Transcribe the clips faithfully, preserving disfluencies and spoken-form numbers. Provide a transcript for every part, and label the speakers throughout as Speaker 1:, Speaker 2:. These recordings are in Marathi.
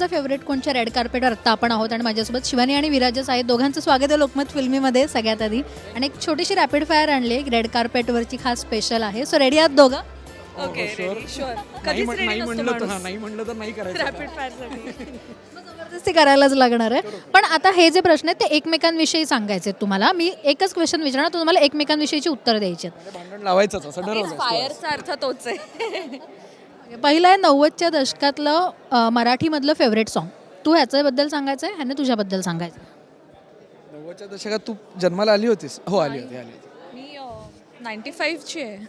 Speaker 1: माझा फेवरेट कोणच्या रेड कार्पेटवर आत्ता आपण आहोत आणि माझ्यासोबत शिवानी आणि विराजच आहेत. दोघांचं स्वागत आहे लोकमत फिल्मीमध्ये सगळ्यात आधी. आणि एक छोटीशी रॅपिड फायर आणली आहे, रेड कार्पेटवरची खास स्पेशल आहे. सो रेडी आहात दोघं?
Speaker 2: Okay ready sure.
Speaker 3: नाही
Speaker 2: कधीच
Speaker 3: म्हण-
Speaker 2: रेडी
Speaker 3: नाही
Speaker 2: नसतो
Speaker 3: म्हणलं तर
Speaker 2: माणूस
Speaker 3: हा, नाही म्हणलं तर नाही करायचं
Speaker 2: रॅपिड फायरसाठी.
Speaker 1: जबरदस्ती करायलाच लागणार आहे. पण आता हे जे प्रश्न आहेत ते एकमेकांविषयी सांगायचे आहेत तुम्हाला. मी एकच क्वेश्चन विचारणार, तुम्हाला एकमेकांविषयीची उत्तर द्यायची आहेत.
Speaker 3: म्हणजे भांडण लावायचंच असं ठरवलं.
Speaker 2: फायरचा अर्थ तोच आहे.
Speaker 1: पहिलं आहे नव्वदच्या दशकातलं अ, मराठीमधलं फेवरेट सॉन्ग. तू ह्याच्याबद्दल सांगायचं आहे, ह्याने तुझ्याबद्दल सांगायचं आहे.
Speaker 3: नव्वदच्या दशकात तू जन्माला आली होतीस? हो आली होती आली होती.
Speaker 2: मी नाईन्टी फाईव्हची आहे.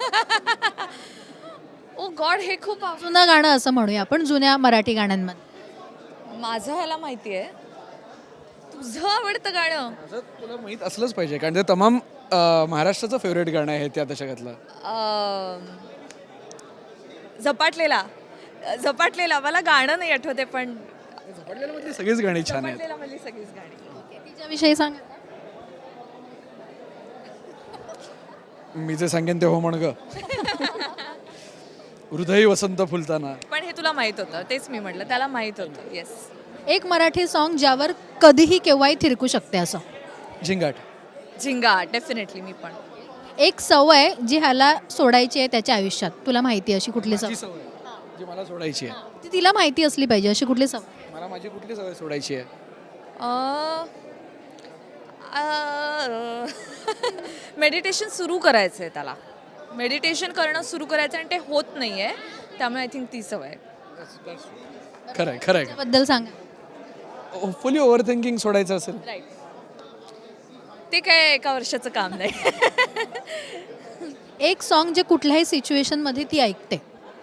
Speaker 2: ओ गॉड, हे खूप आव-
Speaker 1: जुनं गाणं असं म्हणूया आपण, जुन्या मराठी गाण्यांमध्ये.
Speaker 2: माझं ह्याला माहिती आहे. तुझं आवडतं गाणं
Speaker 3: असं तुला माहीत असलंच पाहिजे कारण ते तमाम अं, महाराष्ट्राचं फेवरेट गाणं आहे त्या दशकातलं.
Speaker 2: अं, झपाटलेला झपाटलेला मला गाणं नाही आठवते पण
Speaker 3: झपाटलेल्यामधली सगळीच गाणी छान आहेत.
Speaker 2: झपाटलेला मधली सगळीच गाणी.
Speaker 1: तिच्याविषयी सांग.
Speaker 3: मी जे सांगेन ते हो म्हण ग. हृदय वसंत फुलताना.
Speaker 2: पण हे तुला माहित होतं, तेच मी म्हटलं त्याला माहित होतं. येस.
Speaker 1: एक मराठी सॉन्ग ज्यावर कधीही केव्हाही थिरकू शकते असं.
Speaker 3: झिंगाट.
Speaker 2: झिंगा डेफिनेटली. मी पण
Speaker 1: एक सवय जी ह्याला सोडायची आहे त्याच्या आयुष्यात, तुला माहिती आहे अशी कुठली
Speaker 3: माझी
Speaker 1: सवय?
Speaker 3: सवय जी मला सोडायची आहे.
Speaker 1: ती तिला माहिती असली पाहिजे अशी कुठली सवय?
Speaker 3: मला माझी कुठली सवय सोडायची आहे?
Speaker 2: मेडिटेशन सुरू करायचं आहे त्याला. मेडिटेशन करणं सुरू करायचं आणि ते होत नाही आहे, त्यामुळे आय थिंक ती सवय आहे.
Speaker 3: खरं आहे खरं आहे.
Speaker 1: त्याबद्दल सांगा.
Speaker 3: होपफुली ओव्हर थिंकिंग सोडायचं असेल.
Speaker 2: राईट. ते काय एका वर्षाचं काम नाही.
Speaker 1: एक सॉन्ग जे कुठल्याही सिच्युएशनमध्ये ती ऐकते.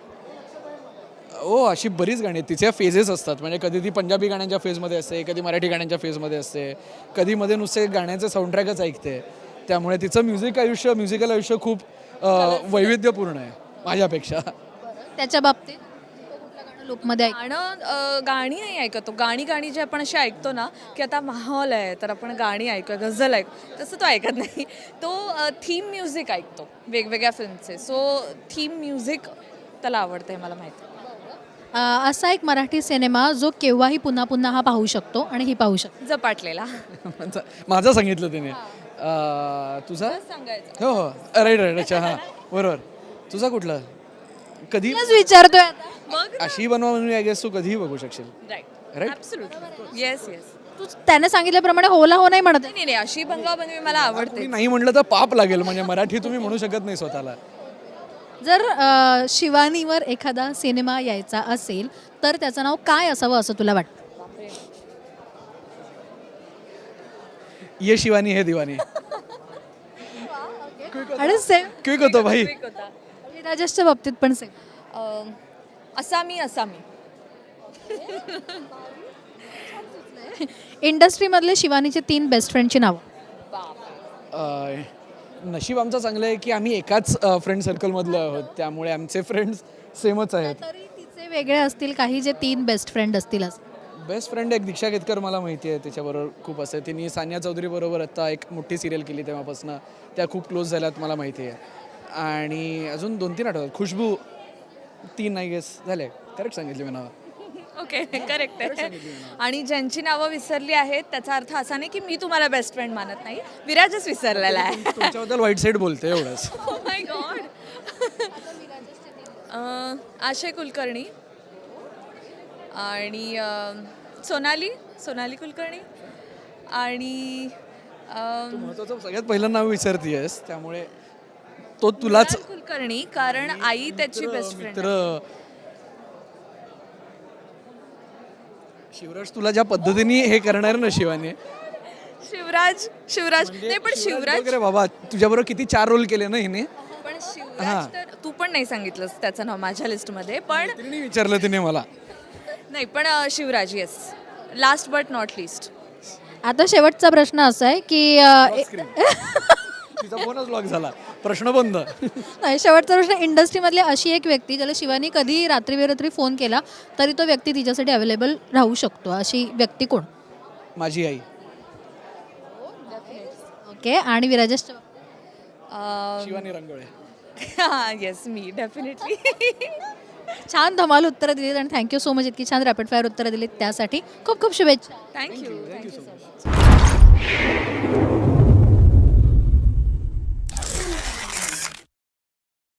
Speaker 3: हो अशी बरीच गाणी आहेत. तिच्या फेजेस असतात. म्हणजे कधी ती पंजाबी गाण्यांच्या फेजमध्ये असते, कधी मराठी गाण्यांच्या फेजमध्ये असते, कधी मध्ये नुसते गाण्याचे साऊंडट्रॅकच ऐकते. त्यामुळे तिचं म्युझिक आयुष्य म्युझिकल आयुष्य खूप अं, वैविध्यपूर्ण आहे माझ्यापेक्षा.
Speaker 1: त्याच्या बाबतीत कुठलं गाणं लूपमध्ये ऐक.
Speaker 2: गाणं अं, गाणी नाही ऐकतो. गाणी गाणी जे आपण अशी ऐकतो ना की आता माहोल आहे तर आपण गाणी ऐकूया, गझल ऐकू, तसं तो ऐकत नाही. तो थीम म्युझिक ऐकतो वेगवेगळ्या फिल्मचे. सो थीम म्युझिक त्याला आवडतं हे मला माहिती.
Speaker 1: अ, असा एक मराठी सिनेमा जो केव्हाही पुन्हा पुन्हा हा पाहू शकतो आणि ही पाहू शकतो.
Speaker 2: झपाटलेला.
Speaker 3: माझं माझं सांगितलं तिने. अं, तुझा?
Speaker 2: सांगायचं.
Speaker 3: हो हो राईट राईट. अच्छा हां बरोबर. तुझा कुठला? कधी
Speaker 1: तुलाच विचारतोय आता.
Speaker 2: मग
Speaker 3: अशी बनवा म्हणून आय गेस तू कधीही बघू शकशील.
Speaker 2: Right.
Speaker 3: Right?
Speaker 2: Absolutely. Yes yes.
Speaker 1: तू त्याने सांगितल्याप्रमाणे होला हो नाही म्हणत आहे.
Speaker 2: नाही नाही, अशी बनवा बनवी मला आवडते.
Speaker 3: कोणी नाही म्हणलं तर पाप लागेल. म्हणजे मराठी तुम्ही म्हणू शकत नाही स्वतःला.
Speaker 1: जर अ, शिवानीवर एखादा सिनेमा यायचा असेल तर त्याचं नाव काय असावं असं तुला वाटतं?
Speaker 3: ये शिवानी हे दिवानी.
Speaker 1: आणि सेम
Speaker 3: क्विक होतो भाई.
Speaker 2: Quick होता.
Speaker 1: राजेशच्या बाबतीत पण सेम.
Speaker 2: अं, असामी असामी.
Speaker 1: इंडस्ट्रीमधले शिवानीचे तीन बेस्ट फ्रेंडची नावं.
Speaker 3: अं, नशीब आमचं चांगलं आहे की आम्ही एकाच फ्रेंड सर्कलमधले आहोत. त्यामुळे आमचे फ्रेंड्स सेमच आहेत.
Speaker 1: तरी तिचे वेगळे असतील काही जे तीन बेस्ट फ्रेंड असतील असं.
Speaker 3: बेस्ट फ्रेंड एक दीक्षा केतकर मला माहिती आहे. तिच्याबरोबर खूप असं तिने सानिया चौधरी बरोबर आता एक मोठी सिरियल केली तेव्हापासून त्या खूप क्लोज झाल्यात मला माहिती आहे. आणि अजून दोन तीन आठवतात. खुशबू. तीन नाही गेस झाले. करेक्ट सांगितले मी नावं.
Speaker 2: ओके करेक्ट आहे. आणि ज्यांची नावं विसरली आहेत त्याचा अर्थ असा नाही की मी तुम्हाला बेस्ट फ्रेंड मानत नाही. विराजच विसरलेला आहे.
Speaker 3: तुमच्याबद्दल वाईट साईड बोलते एवढंच.
Speaker 2: Oh my God. आशय कुलकर्णी आणि अं, सोनाली सोनाली कुलकर्णी आणि अं,
Speaker 3: तू महत्वाचं सगळ्यात पहिलं नाव विसरतीयस त्यामुळे तो तुलाच
Speaker 2: मृणाल कुलकर्णी कारण आई त्याची बेस्ट फ्रेंड.
Speaker 3: मित्र. शिवराज तुला ज्या पद्धतीने हे करणार ना शिवानी.
Speaker 2: शिवराज शिवराज नाही पण शिवराज
Speaker 3: वगैरे बाबा तुझ्याबरोबर किती चार रोल केले ना हिने.
Speaker 2: पण शिवराज तर तू पण नाही सांगितलंस त्याचं नाव माझ्या लिस्टमध्ये. पण
Speaker 3: तिने विचारलं तिने मला.
Speaker 2: नाही पण अं, Shivraj yes. Last but not least.
Speaker 1: आता शेवटचा प्रश्न असा आहे की अ,
Speaker 3: तिचा फोनच लॉक झाला. प्रश्न बंद.
Speaker 1: नाही, शेवटचा प्रश्न. इंडस्ट्रीमधली अशी एक व्यक्ती ज्याला शिवानी कधी रात्री बेरात्री फोन केला तरी तो व्यक्ती तिच्यासाठी अवेलेबल राहू शकतो, अशी व्यक्ती कोण?
Speaker 3: माझी आई.
Speaker 1: ओके. आणि विराजेशच्या
Speaker 3: शिवानी रंगोळे.
Speaker 2: येस मी डेफिनेटली.
Speaker 1: छान धमाल उत्तरं दिलीत आणि थँक्यू सो मच इतकी छान रॅपिड फायर उत्तरं दिलीत त्यासाठी खूप खूप शुभेच्छा
Speaker 2: थँक्यू थँक्यू सो मच